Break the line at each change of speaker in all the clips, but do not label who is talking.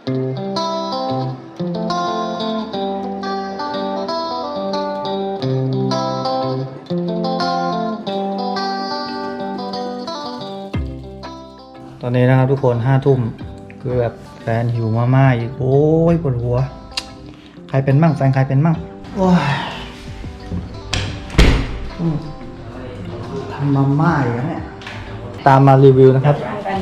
ตอนนี้นะครับทุกคน5 ทุ่มคือแบบแฟนหิวมาม่าอีกโอ้ยปวดหัวใครเป็นมั่งแฟนใครเป็นมั่งโอ้ยทำมาม่าอีกแล้วเนี่ยตามมารีวิวนะครับ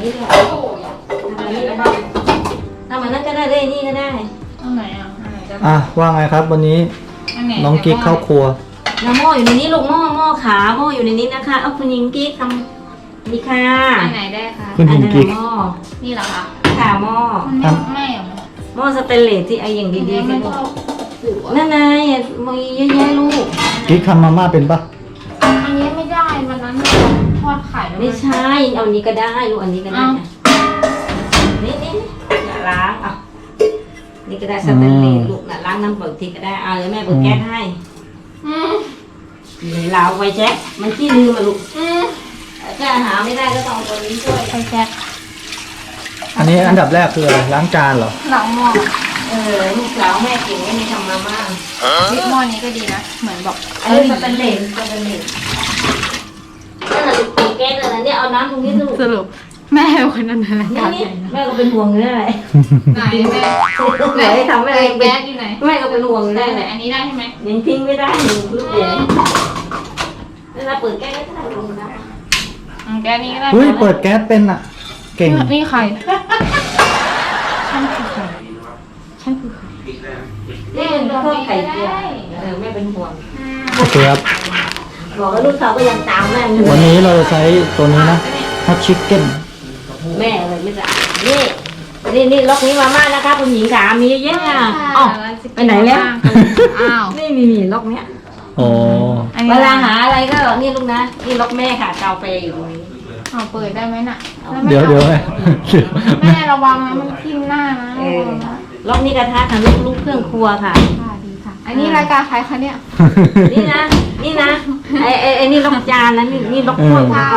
ทำมันนั่นก็ได้เลยนี่ก็ได้
เอาไหนอ่ะ
ว่าไงครับวันนี้น้องกิ๊กเข้าครัว
น้ำหม้ออยู่ในนี้ลูกหม้อขาหม้ออยู่ในนี้นะคะเอาคุณยิงกิ๊กทำดีค่ะ
อันไหนได้คะ
คุณยิงกิ๊ก
หม้อ
นี่เหรอคะ
ขาหม้อ
มันไม่เหรอ
หม้อสเตนเลสที่ไออย่างดีๆ
ไม่
สิลู
ต้
ก
องหัว
นั่นไงมีเยอะแยะลูก
กิ๊กทำมาม่าเป็นปะ
อันนี้ไม่ได้วันนั้นทอดไข่แล้ว
ไม่ใช่เอาอันนี้ก็ได้ลูกอันนี้ก็ได้นะนี่อย่าล้างอ่ะนี่ก็ได้สเตนเลสลูกน่ะล้างน้ำเปิดทีก็ได้เอาเลยแม่เปิดแก๊สให้เราไว้แจ็คมันขี้ลืมมาลูกถ้าหาไม่ได้ก็ต้องเอาตัวนี้ช่วย
ไปแจ็ค
อันนี้อันดับแรกคืออะไรล้างจานเหรอ
หลังหม้อ
ลูกสาวแม่เก่งไม่มีทำมาม่า
หม้อนี้ก็ดีนะเหมือนบอก
อันนี้สเตนเลสนั่นแหละลูกตีแก๊สเลยนะเนี่ยเอาน้ำตรงนี้ลูก
สรุปแม่เป็นคนนั้นอะไร
นี่แม่ก็เป็นห่วงเลยอะไร
ไหนแม่
ไหนทำอะไร
แก๊สอยู่ไหน
แม่ก็เป็นห่วงเลย
ไหน
แหละ
อันนี้ได้ใช่ไหม
ยังทิ้งไม่ได้หนึ่งลูกเดียวเวลาเปิดแก๊สก็ได้ลงนะ
แก๊สนี้ก็ได้
เฮ้ยเปิดแก๊สเป็นอ่ะเก่ง
นี่ใคร
นี่มันข้าวไข่เจียวแม่เป็นห่วง
โอเคครับ
บอกว่าลูกสาวก็ยังตามแม่อยู่
วันนี้เราจะใช้ตัวนี้นะฮอตชิคเก้น
แม่เลยไม่ได้นี่ล็อกนี้มาม่านะคะคุณหญิงขามีเยอะอ่ะอ๋อไปไหนแล้ว
อ้าว
นี่มีล็อกเนี้ย
อ๋อ
เวลาหาอะไรก็นี่ลูกนะนี่ล็อกแม่ค่ะกาแฟอยู่ตรงนี้
เอาเปิดได้ไหมน่ะ
เดี๋ยว
แม่ระวังนะมันทิ่มหน้านะ
ล็อกนี้กระทะค่ะลูกเครื่องครัวค่ะ
ค่ะดีค่ะอันนี้รายการใครคะเนี่ย
นี่นะไอ้นี่ล็อกจานนะนี่ล็อกถ้วย
ค่ะ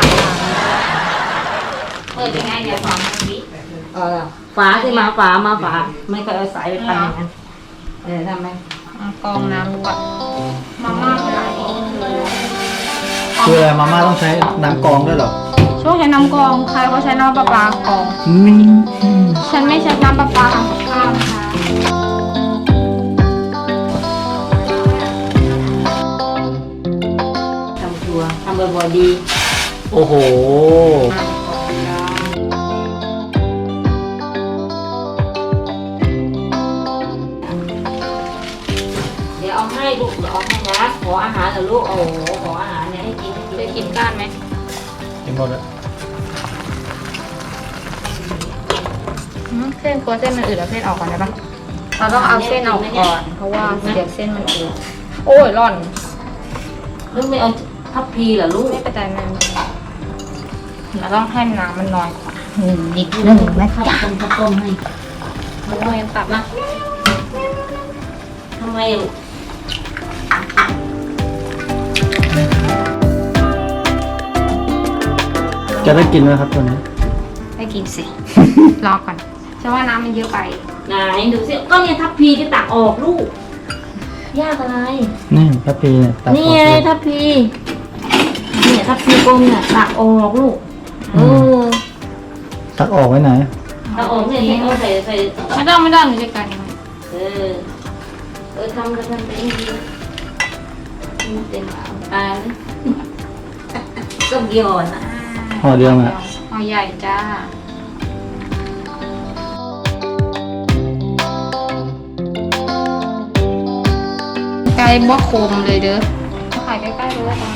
เปิดยังไงเดี๋ยวสอนวิ
ฝาที่มาฝาไม่ก็เอาสายไปพันอย่างนั้นทำไม
กองน้ำก่อนมาม่าเป็นไร
คืออะไรมาม่าต้องใช้น้ำกรองด้วยเหรอ
ช่วงใช้น้ำกรองใครก็ใช้น้ำประปากรองฉันไม่ใช้น้ำประปาทำกับข้าวนะคะ
ทำครัวทำบ่อยๆดี
โอ้โห
เดี๋ยวเอาให้ลูกเดี๋ยวเอาให้นะขออาหารเหรอลูกโอ้โหขออาหารเนี่ยให้กิน
จะกินก้านไหม
กินหมดแล้ว
เส้นกลัวเส้นมันอืดแล้วเส้นออกก่อนได้ปะเราต้องเอาเส้นออกก่อนเพราะว่าเดี๋ยวเส้นมันอืดโอ้ยร่อน
ลูกไม่เอาทัพพีเหรอลูก
ไม่เป็นไรแม่เราต้องให้น้ำมันน้อยกว่านิดนึงนะจ๊ะ
ต้มให้
มันต้องตับนะ
ทำไม
จะได้กินไหมครับตัวนี้
ได้กินสิ รอก่อนฉันว่าน้ำมันเยอะไป
ไหนดูสิก็เนี่ยทัพพีที่ตักออกลูกยากอะไร
นี่พระพีเนี่ยตัด
นี่
ออก
ไง
เลย
ทัพพีเนี่ยทัพพีกลมเนี่ยตักออกลูก
ตัดออกไว้ไหน
ตักออกเนี่ยเอาใส่
ไม่ต้องหนูจัดการเอง
ทำไปดีเต็มตาเลยก็เกี่ยวนะ
ห่อเดียวอ่ะ
ห่อใหญ่จ้าไก่บ่คมเลยเด้อขายใกล้ๆเลยจ้า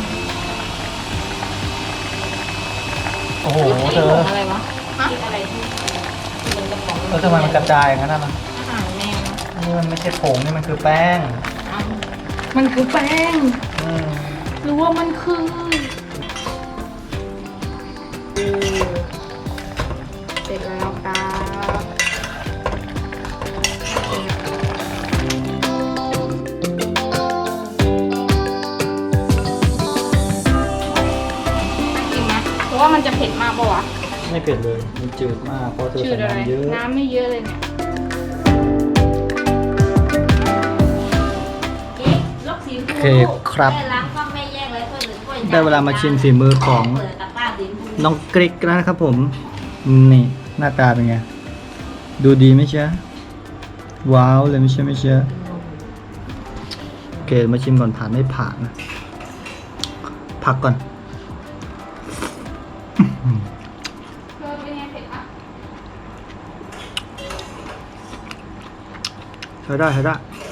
โอ้โหเธอ
อะไรวะ
อะไรที่มันกระป๋อง
แล้วทำไมมันกระจายอย่างนั้นน่ะ
อาหารแม่นะ
อันนี้มันไม่ใช่ผงนี่มันคือแป้ง
มันคือแป้ง
อืม
หรือว่ามันคือเสร็จแล้วครับเพราะว่ามันจะเผ็ดมากปะวะ
ไม่เผ็ดเลยมันจืดมากเพราะเธอ
ชื่อ
ใส่
อะไร
น้ำเยอะ
น้ำไม่เยอะเลยเนี่ย
เคครับ
แม่ล้างก็ไม่แยกเลยถ้วยหนึ่งถ้วย
ได้เวลามาชิมฝีมือของ
เปิดตะกร้าดิน
น้องกริกแล้วนะครับผม นี่หน้าตาเป็นไง ดูดีไหมเชียว้าวเลยไม่เชียโอเคมาชิมก่อนผ่านไม่ผ่านนะพักก่อน
เธอเป็นไงเผ็ดปะ
ใช้ได้เผ็ด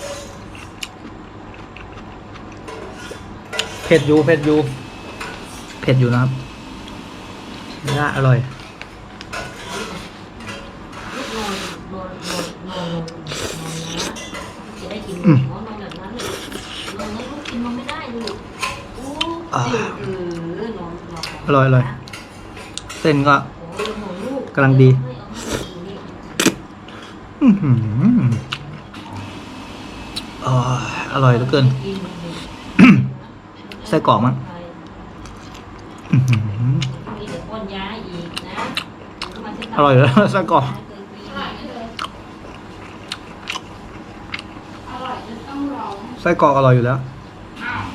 อยู่เผ็ดอยู่นะครับได้อร่อย
นอนจะได้กินนอนแบบนั้นนอนลูกกินนอนไม่ได้ลูกนอน
อร่อยเส้นก็กำลังดีอร่อยเหลือเกิน ไส้กรอกมั้ง
มีแต่ก้อนย้ายอีกนะ
อร่อยแล้วไส้กรอก
อร่อยจนต้องร้อง
ไส้กรอกอร่อยอยู่แล้ว
อ้าว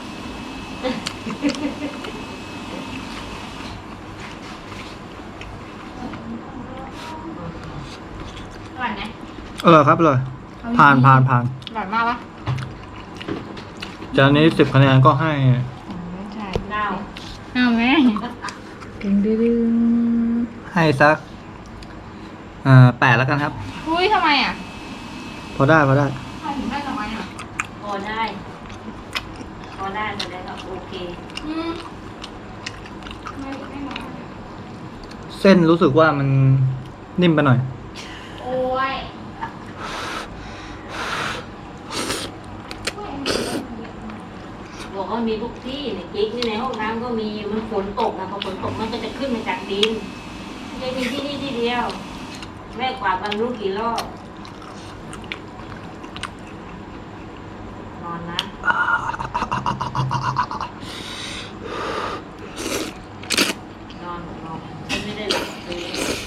อร่อยไหม
อร่อยครับอร่อยผ่าน
อร่อยมากปะ
จานนี้10 คะแนนก็ให้
ใช่
ดาว
เอาแม่ดึง
ให้สัก8แล้วกันครับ
อุ้ยทำไมอ่ะ
พอได้
ทำไมถึงได้ทำไมอ่ะ
พอได้แต่ได้ก็โอเค
ไม่น้อย
เส้นรู้สึกว่ามันนิ่มไปหน่อย
โอ้ย
บอกว่ามีทุกที่เนี่ยกิ๊กนี่ในห้องน้ำก็มีมันฝนตกนะพอฝนตกมันก็จะขึ้นมาจากดินไม่ใช่มีที่นี่ที่เดียวแม่กวาดบรรลุกี่รอบนอนนะนอนฉันไม่ได้หลับเลย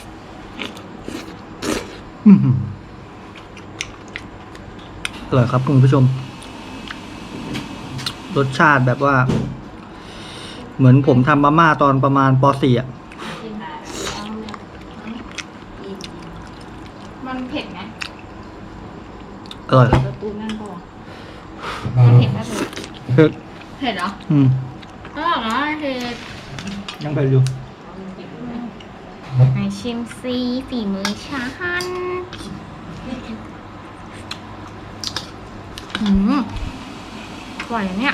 อร่อยครับคุณผู้ชม รสชาติแบบว่า เหมือนผมทำมาม่าตอนประมาณป .4 อ่ะ
กินได้แล้วเนี่ยอิ่ม
มันเผ็ดไหม
อร่อยครับ
ประตูนั่นปะวะมันเผ็ดไหมเธอเผ็ดเหรออร่อยนะเผ็ด
ยังไปอยู่
ไหนชิมซีฝีมือฉันอร่อยอะเนี่ย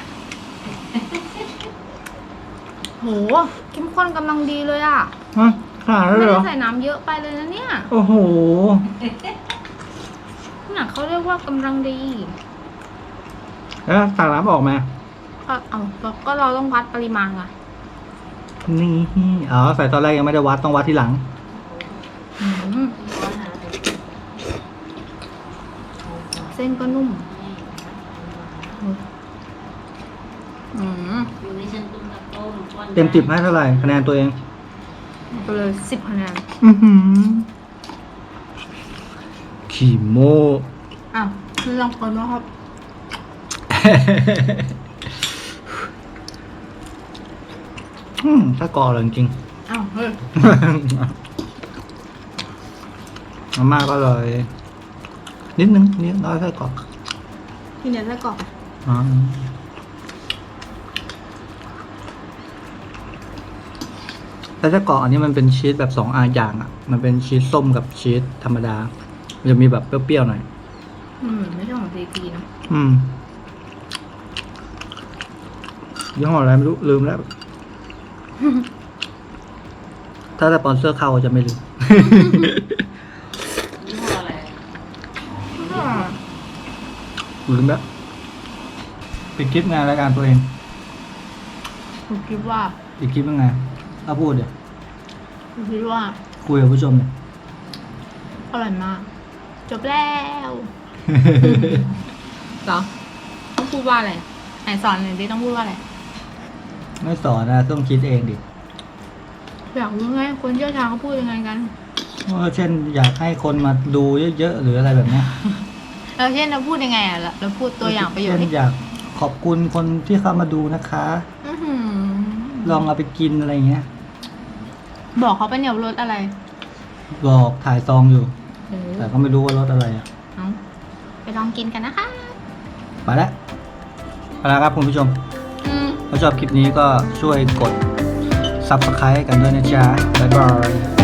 โหเข้มข้นกำลังดีเลยอ่ะ
ฮะขนาดนั้น
ไม่
เลยเหร
ได้
อ
ใส่น้ำเยอะไปเลยนะเนี่ย
โอ้โห
น่ะเขาเรียกว่ากำลังดี
แล้วตักน้ำออกมา
ก็เราต้องวัดปริมาณไง
นี่อ๋อใส่ตอนแรกยังไม่ได้วัดต้องวัดทีหลัง
เส้นก็นุ่ม
อยู่ในชั้นตุ้มตะโต้มก้อน
เต็ม10ให้เท่าไหร่คะแนนตัวเอง
ไปเลย10 คะแนน
ขี่โม
อ้าวคือลองคนว่าครับ
ถ้ากอเลยจริง
อ้าวเฮ้ย
ๆมาม่าก็เลยนิดนึงนิดน้อยแค่กรอก
ที่เนี่ยไส้กรอก
อ๋อแต่ไส้กรอกอันนี้มันเป็นชีสแบบ2 อย่างอ่ะ มันเป็นชีสส้มกับชีสธรรมดา มันจะมีแบบเปรี้ยวๆหน่อย
ไม่ใช่ของซีพีนะ
ยี่ห้ออะไรไม่รู้ลืมแล้ว ถ้าสปอนเซอร์เข้าจะไม่ลืม
ยี่ห้ออะไร
ลืมแล้วปิดคลิปงานรายการตัวเอง
ผมคิดว่า
ปิดคลิปยังไงเอาพูดเดี๋ยว
ผมคิดว่า
คุยกับผู้ชมเนี่ย
อร่อยมาก จบแล้วเหรอต้องพูดว่าอะไรไหนสอนหน่อยดิต้องพูดว่าอะไร
ไม่สอนนะต้องคิดเองดิ
อยากรู้ไงคนเชี่ยวชาญเขาพูดยังไงกัน
ว่าเช่นอยากให้คนมาดูเยอะๆหรืออะไรแบบเนี้ย
เราเช่นเราพูดยังไงอ่ะเราพูดตัวอย่างประโยชน์
เช่
ให้
นอยากขอขอบคุณคนที่เข้ามาดูนะคะ
อื้อหือ
ลองเอาไปกินอะไรเงี้ย
บอกเขาเป็นเดี๋ยวรสอะไร
บอกถ่ายซองอยู่
เออ
แต่ก็ไม่รู้ว่ารสอะไรอ่ะ
เอาไปลองกินกันนะคะ
ไปแล้วเอาละครับคุณผู้ชม
อืม
ถ้าชอบคลิปนี้ก็ช่วยกด Subscribe กันด้วยนะจ๊ะ บ๊ายบาย